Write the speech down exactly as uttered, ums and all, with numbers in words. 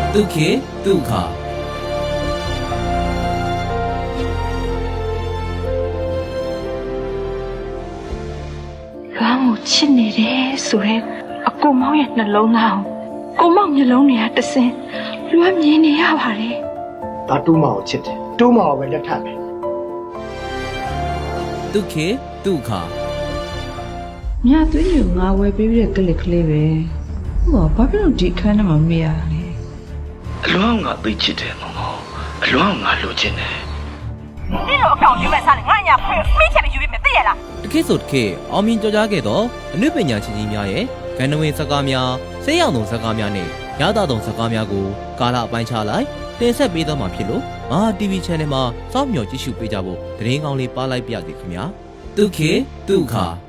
တုခေတုခလွမ်းကိုချစ်နေတယ်ဆိုရဲအကိုမောင်ရဲ့နှလုံးသားကိုမောင်မျက်လုံးတွေကတဆင်းလွမ်းမြင်နေရပါတယ်ဒါတူးမအောင်ချစ်တယ်တူးမအောင်ပဲလက်ထပ်မယ်တုခေတုခမြတ်သွေးကိုငါဝယ်ပေးတဲ့ကလစ်ကလေးပဲဟောဘာဖြစ်လို့ဒီအခန်းထဲမှာမေးရလဲအလွမ်းငါသိချစ်တယ်မောင်မောင်အလွမ်းငါလိုချင်တယ်ဒီလိုအကောင့်ယူမဲ့စားလေငါညာဖွင့်မိချင်ပြီးယူပြီးမယ်သိရလားတခေဆိုတခေအောင်မြင်ကြော်ကြားခဲ့သောအနုပညာရှင်ကြီးများရဲ့ဂန္ဓဝင်စကားများဆေးရောင်သုံးစကားများနဲ့ရသသုံးစကားများကိုကာလအပိုင်းခြားလိုက်တင်ဆက်ပေးသွားမှာဖြစ်လို့မဟာ တီဗီ Channel မှာစောင့်မျှော်ကြည့်ရှုပေးကြဖို့သတင်းကောင်းလေးပါလိုက်ပါရစေခင်ဗျာတုခေတုခ